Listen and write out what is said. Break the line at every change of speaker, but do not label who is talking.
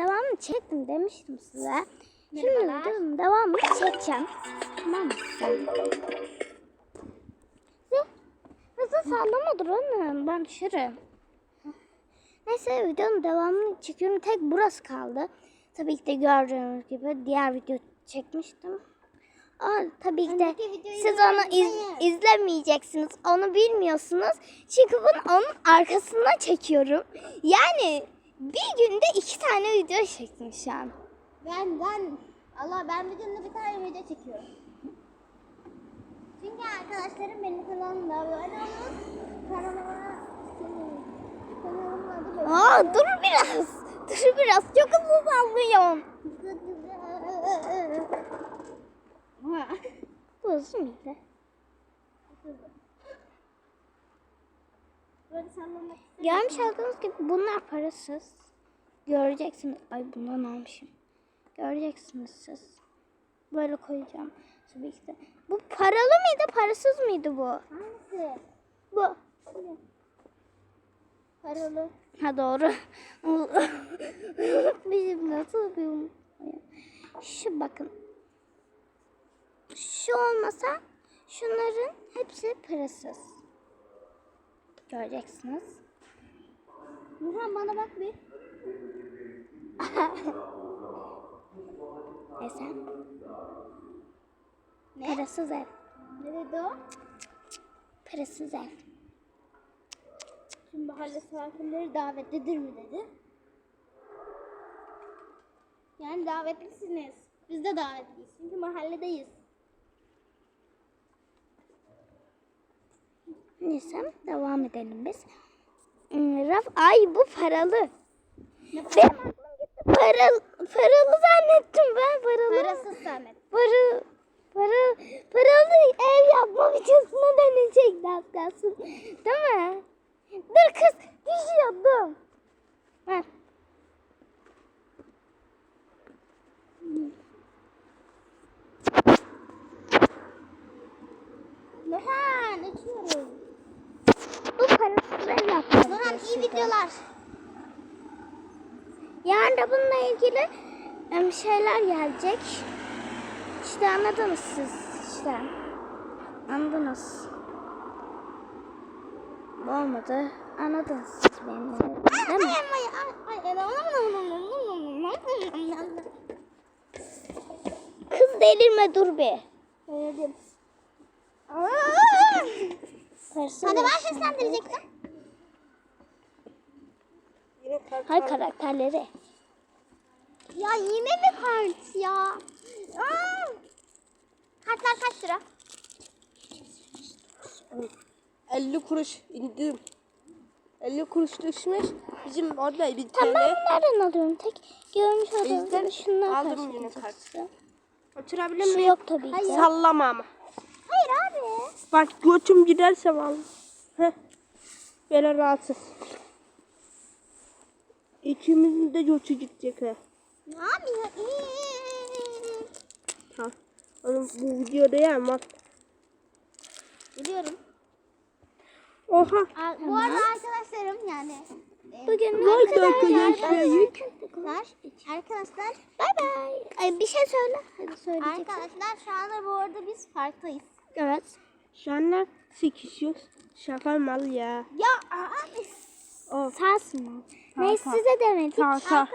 devamını çektim demiştim size. Şimdi videonun devamını çekeceğim. Tamam mı? Hızlı sallama dur annem. Ben düşerim. Neyse videonun devamını çekiyorum. Tek burası kaldı. Tabii ki de gördüğünüz gibi diğer video çekmiştim. Tabii ki de siz onu izlemeyeceksiniz. Onu bilmiyorsunuz. Çünkü bunu onun arkasından çekiyorum. Yani bir günde 2 tane video çektim şu an.
Ben bir günde bir tane video çekiyorum. Çünkü arkadaşlarım benim kanalımda abone olun. Kanalıma adı böyle.
Dur biraz. Dur biraz. Çok hızlı sallıyorum. Bu hızlı mıydı? Görmüş olduğunuz gibi bunlar parasız. Göreceksiniz. Ay bundan almışım. Göreceksiniz siz. Böyle koyacağım. Tabii ki de. Bu paralı mıydı, parasız mıydı bu?
Hangisi?
Bu.
Paralı.
Ha doğru. Bizim nasıl bir... Şu bakın. Şu olmasa şunların hepsi parasız. Göreceksiniz.
Nurhan bana bak bir.
Neyse. Parasız ev.
Ne dedi o?
Parasız ev.
Şimdi mahalle sakinleri davetlidir mi dedi. Yani davetlisiniz. Biz de davetliyiz. Çünkü mahalledeyiz.
Neyse devam edelim biz. Ay bu paralı. Benim aklım gitti. Paralı zannettim ben.
Parasız zannettim.
Paralı ev yapma videosuna dönecekti az kalsın. Değil mi? Dur kız düşüyordum. Ver.
Nurhan uçuyoruz.
Bu parasız ev yapma
Nurhan iyi
videosuydu.
videolar.
Yarın da bununla ilgili şeyler gelecek. İşte anladınız siz. İşte. Anladınız. Bu olmadı. Anladınız siz benim. Değil mi? Kız delirme dur bir.
Söyledim.
Parasız
Hadi
ev.
ben seslendirecektim.
Hayır karakterleri.
Ya yine mi kart ya? Kartlar kaç lira?
50 kuruş indirim. 50 kuruş düşmüş. Bizim orada bir
Tamam ben
tane.
bunlardan alıyorum. Tek görmüş olduğunuz
Bizden
gibi şunlar
aldım yine
karşılayacaksın.
Oturabilir
Şu
miyim?
yok tabii ki.
Sallama ama.
Hayır abi.
Bak götüm giderse vallahi. Heh. Böyle rahatsız. İkimizin de götü gidecek ha.
Abi.
Ha. Oğlum bu videoda ya bak.
Biliyorum.
Oha.
Bu arada arkadaşlarım yani.
Bugün
Vay
Arkadaşlar.
Bay bay. Ay, bir şey söyle. Hadi söyleyeceksin.
Arkadaşlar şu anda bu arada biz parktayız.
Evet.
Şu anda sıkışıyoruz. Şaka mal ya.
Ya abi.
Sarsın mı? Neyse size demedik.
Sağ.